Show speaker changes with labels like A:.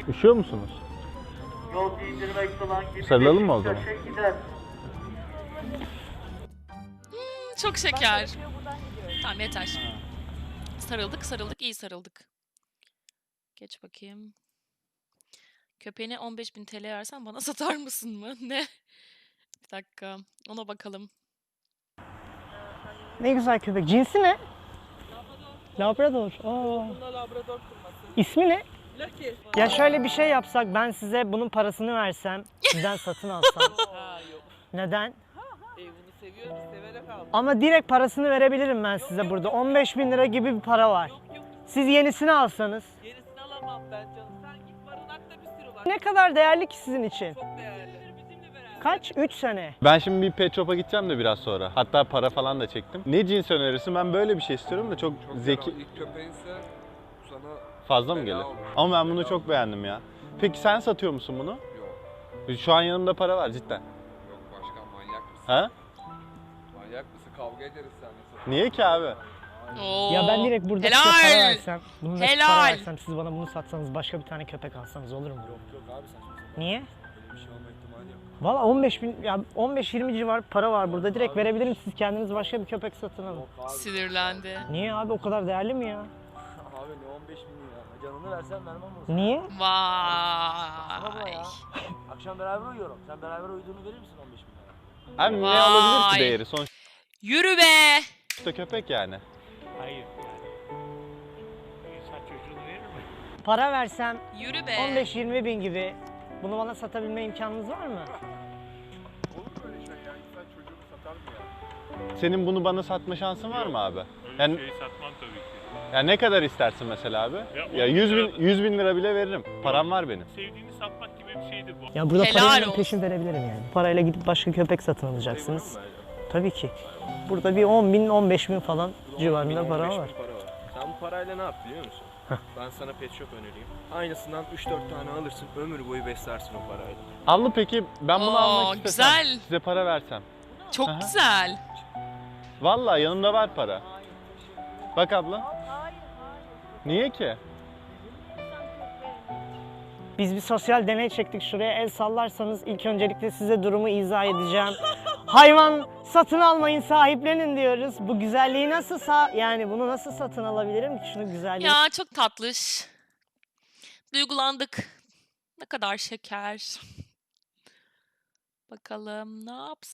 A: Üşüyor musunuz?
B: Yol indirmek olan gibi
A: Sarılalım mı o zaman?
B: gider.
C: Çok şeker. Tamam yeter. Sarıldık, sarıldık, iyi sarıldık. Geç bakayım. Köpeğine 15.000 TL versen bana satar mısın mı? Ne? Bir dakika. Ona bakalım.
D: Ne güzel köpek. Cinsi ne? Labrador. İsmi ne?
E: Lucky.
D: Ya şöyle bir şey yapsak, ben size bunun parasını versem, sizden satın alsam.
E: Ha yok.
D: Neden?
E: Bunu seviyorum, severek aldım.
D: Ama direkt parasını verebilirim ben size burada. 15.000 lira gibi bir para var.
E: Yok.
D: Siz yenisini alsanız.
E: Yenisini alamam ben canım. Sen git barınakta bir sürü var.
D: Ne kadar değerli ki sizin için?
E: Çok değerli. Bizimle beraber.
D: Kaç? 3 sene.
A: Ben şimdi bir pet shop'a gideceğim de biraz sonra. Hatta para falan da çektim. Ne cins önerirsin? Ben böyle bir şey istiyorum da çok zeki.
F: İlk köpeğinse sana
A: Fazla mı
F: fena
A: gelir?
F: olur.
A: Ama ben bunu çok beğendim ya. Peki sen satıyor musun bunu?
F: Yok.
A: Şu an yanımda para var cidden.
F: Yok başkan manyak mısın?
A: Ha?
F: Manyak mısın? Kavga ederiz seninle.
A: Niye ki abi?
C: Oo.
D: Ya ben direkt burada
C: Helal.
D: size para versem, bunun para
C: Helal.
D: versem, siz bana bunu satsanız, başka bir tane köpek alsanız olur mu?
F: Yok abi saçma.
D: Niye?
F: Böyle bir şey olma ihtimali yok.
D: Valla 15.000, ya 15-20 civar para var burada. Direkt verebilirim, siz kendiniz başka bir köpek satın alın.
C: Sinirlendi.
D: Niye abi, o kadar değerli mi ya?
F: Abi ne 15 bin lira? Canını versen vermem olsun.
D: Niye?
C: Vay.
F: Akşam beraber uyuyorum. Sen beraber uyuduğunu verir misin 15 bin lira?
A: Abi ne olabilir
C: Vay.
A: ki değeri? Sonuçta
C: Yürü be.
A: köpek yani.
B: Hayır. İnsan çocuğunu verir mi?
D: Para versem
C: Yürü be.
D: 15-20 bin gibi, bunu bana satabilme imkanınız var mı?
F: Olur mu öyle şey ya? İnsan çocuğunu satar mı ya?
A: Senin bunu bana satma şansın var mı abi? Yani,
B: Şeyi satmam tabii ki.
A: ya ne kadar istersin mesela abi? Ya
B: 10
A: 100 bin lira bile veririm. Param var benim.
B: Sevdiğini satmak gibi bir şeydir bu.
D: Ya burada
C: Helal
D: parayla
C: olsun.
D: peşin verebilirim yani. Parayla gidip başka köpek satın alacaksınız. Tabii ki. Burada bir 10 bin, 15 bin falan civarında para var.
G: Sen bu parayla ne yap biliyor musun? Ben sana pet shop önereyim. Aynısından 3-4 tane alırsın, ömür boyu beslersin o parayla.
A: Abla peki ben bunu
C: Oo,
A: almak istesem,
C: güzel.
A: size para versem.
C: Çok
A: Aha.
C: güzel.
A: Vallahi yanımda var para. Bak abla. Niye ki?
D: Biz bir sosyal deney çektik, şuraya el sallarsanız ilk öncelikle size durumu izah edeceğim. Hayvan satın almayın, sahiplenin diyoruz. Bu güzelliği nasıl yani bunu nasıl satın alabilirim ki, şunu güzelliği?
C: Ya çok tatlış. Duygulandık. Ne kadar şeker. Bakalım ne yapsın?